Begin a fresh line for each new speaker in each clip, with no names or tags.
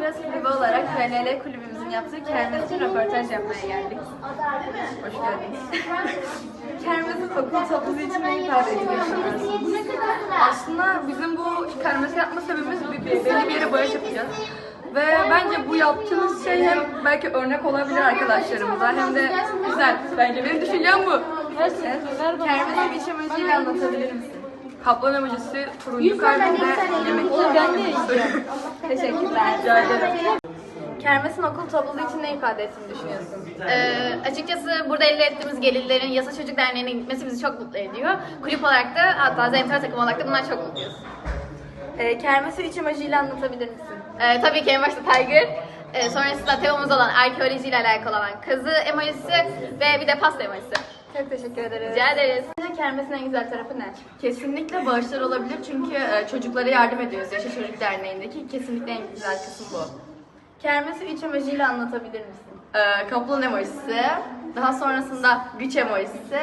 Press kulübü olarak FLL kulübümüzün yaptığı kermes için röportaj yapmaya geldik. Hoş geldiniz. Kermesin okul topluluğu için ne ifade ediyorsunuz?
Aslında bizim bu kermesi yapma sebebimiz belli bir yere bağış yapacağız. Ve bence bu yaptığımız şey hem belki örnek olabilir arkadaşlarımıza hem de güzel. Bence benim düşüncem bu.
Evet. Kermesin iç amacıyla anlatabilir misin?
Kaplan emojisi, turuncu kalbinde yemek.
Ben de yiyeceğim. Teşekkürler.
Rica ederim.
Kermesin okul topluluğu için ne ifade ettiğini düşünüyorsun?
Açıkçası burada elde ettiğimiz gelirlerin Yasa Çocuk Derneği'ne gitmesi bizi çok mutlu ediyor. Kulüp olarak da hatta Zemter takım olarak da bundan çok mutluyuz.
Kermesi iç amacıyla anlatabilir misin?
Tabii ki en başta Tiger, sonrasında temamız olan arkeolojiyle alakalı olan kazı emojisi ve bir de pasta emojisi.
Çok teşekkür ederiz.
Rica ederiz.
Sence kermesin en güzel tarafı ne?
Kesinlikle bağışlar olabilir çünkü çocuklara yardım ediyoruz Yaşa Çocuk Derneği'ndeki. Kesinlikle en güzel kısım bu.
Kermesi iç amacıyla anlatabilir misin?
Kaplan emojisi, daha sonrasında güç emojisi,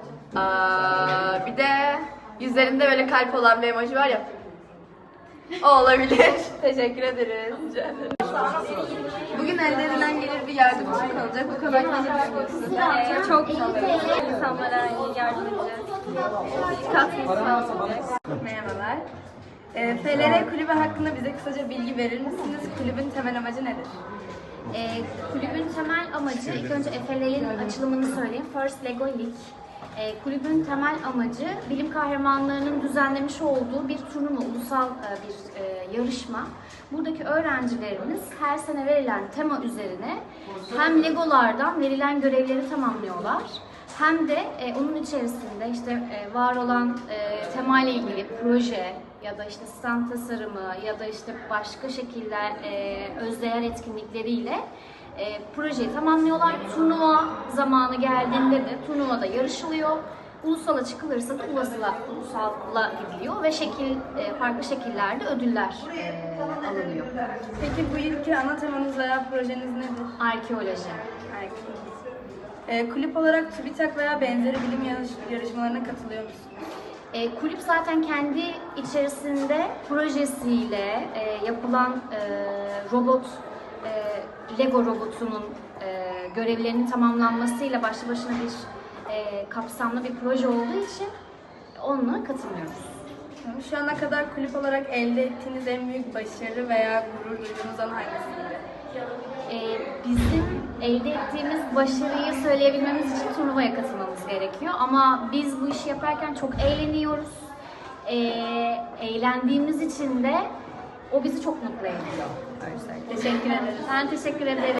bir de yüzlerinde böyle kalp olan bir emoji var ya. O olabilir.
Teşekkür ederiz.
Rica ederim.
Bugün elde edilen gelir bir yardım için kalacak. Bu konu hakkında ne düşünüyorsun? Çok güzel. İnsanlara yardım edeceğiz. Katkı sağlayacak. Merhabalar. FLR kulübü hakkında bize kısaca bilgi verir misiniz? Kulübün temel amacı nedir?
Kulübün temel amacı, ilk önce FLL'in açılımını söyleyeyim. First Lego League. Kulübün temel amacı bilim kahramanlarının düzenlemiş olduğu bir turnuva, ulusal bir yarışma. Buradaki öğrencilerimiz her sene verilen tema üzerine hem Legolardan verilen görevleri tamamlıyorlar, hem de onun içerisinde işte var olan temayla ilgili proje ya da işte stand tasarımı ya da işte başka şekiller özdeğer etkinlikleriyle projeyi tamamlıyorlar. Turnuva zamanı geldiğinde de turnuvada yarışılıyor. Ulusala çıkılırsa da ulusala gidiliyor ve farklı şekillerde ödüller alınıyor.
Peki bu yılki ana temanız veya projeniz nedir?
Arkeoloji.
Kulüp olarak TÜBİTAK veya benzeri bilim yarışmalarına katılıyor musunuz?
Kulüp zaten kendi içerisinde projesiyle yapılan Lego robotunun görevlerinin tamamlanmasıyla başlı başına bir kapsamlı bir proje olduğu için onunla katılmıyoruz.
Şu ana kadar kulüp olarak elde ettiğiniz en büyük başarı veya gurur duyduğunuz an hangisiydi?
Bizim elde ettiğimiz başarıyı söyleyebilmemiz için turnuvaya katılmamız gerekiyor. Ama biz bu işi yaparken çok eğleniyoruz. Eğlendiğimiz için de o bizi çok mutlu ediyor.
Teşekkür ederiz.
Ben teşekkür ederim.